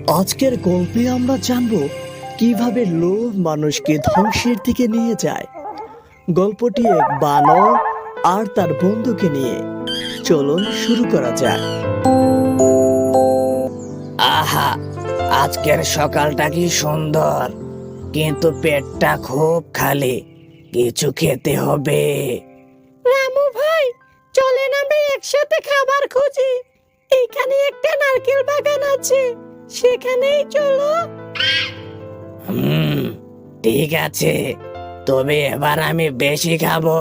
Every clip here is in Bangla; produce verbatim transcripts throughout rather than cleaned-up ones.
আজকের গল্পে আমরা জানব কিভাবে লোভ মানুষকে ধ্বংসের দিকে নিয়ে যায়। গল্পটি এক বানর আর তার বন্ধুকে নিয়ে। চলুন শুরু করা যাক। আহা, আজকের সকালটা কি সুন্দর, কিন্তু পেটটা খুব খালি। কিছু খেতে হবে। রামু ভাই, চলেন আমরা একসাথে খাবার খুঁজি। এখানে একটা নারকেল বাগান আছে, সেখানেই চলো। হুম, ঠিক আছে, তবে এবার আমি বেশি খাবো।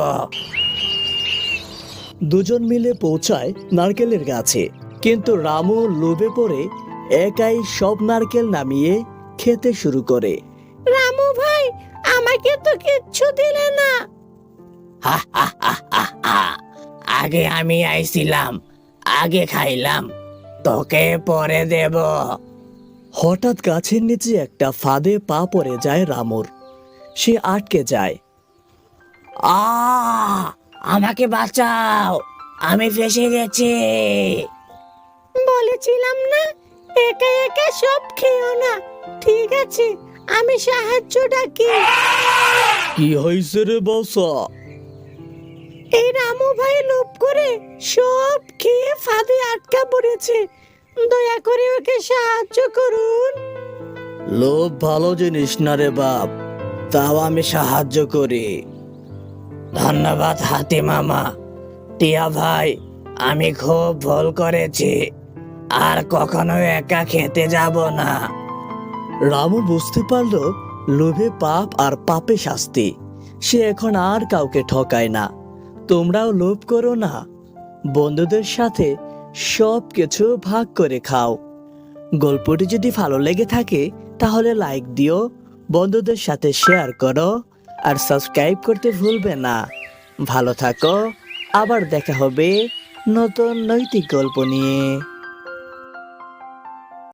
দুজন মিলে পৌঁছায় নারকেলের গাছে, কিন্তু রামু লোভে পড়ে একাই সব নারকেল নামিয়ে খেতে শুরু করে। রামু ভাই, আমাকে তো কিচ্ছু দিলে না। হা হা হা হা হা। আগে আমি আইছিলাম, আগে খাইলাম, তোকে পরে দেব। হঠাৎ গাছের নিচে একটা ফাঁদে পা পড়ে যায় রামুর। সে আটকে যায়। আ আমাকে বাঁচাও, আমি ফেসে গেছি। বলেছিলাম না, একা একা সব খেও না। ঠিক আছে, আমি সাহায্য ডাকি। কি হয়েছে রে বসা? এই রামু ভাই লোভ করে সব খেয়ে ফাঁদে আটকা পড়েছে। দয়া করে ওকে সাহায্য করুন। লোভ ভালো জিনিস না রে বাপ, তাও আমি সাহায্য করি। ধন্যবাদ হাতি মামা। টিয়া ভাই, আমি খুব ভুল করেছি, আর কখনো একা খেতে যাব না। রামু বুঝতে পারল লোভে পাপ আর পাপে শাস্তি। সে এখন আর কাউকে ঠকায় না। তোমরাও লোভ করো না, বন্ধুদের সাথে সব কিছু ভাগ করে খাও। গল্পটি যদি ভালো লেগে থাকে তাহলে লাইক দিও, বন্ধুদের সাথে শেয়ার করো, আর সাবস্ক্রাইব করতে ভুলবে না। ভালো থাকো, আবার দেখা হবে নতুন নৈতিক গল্প নিয়ে।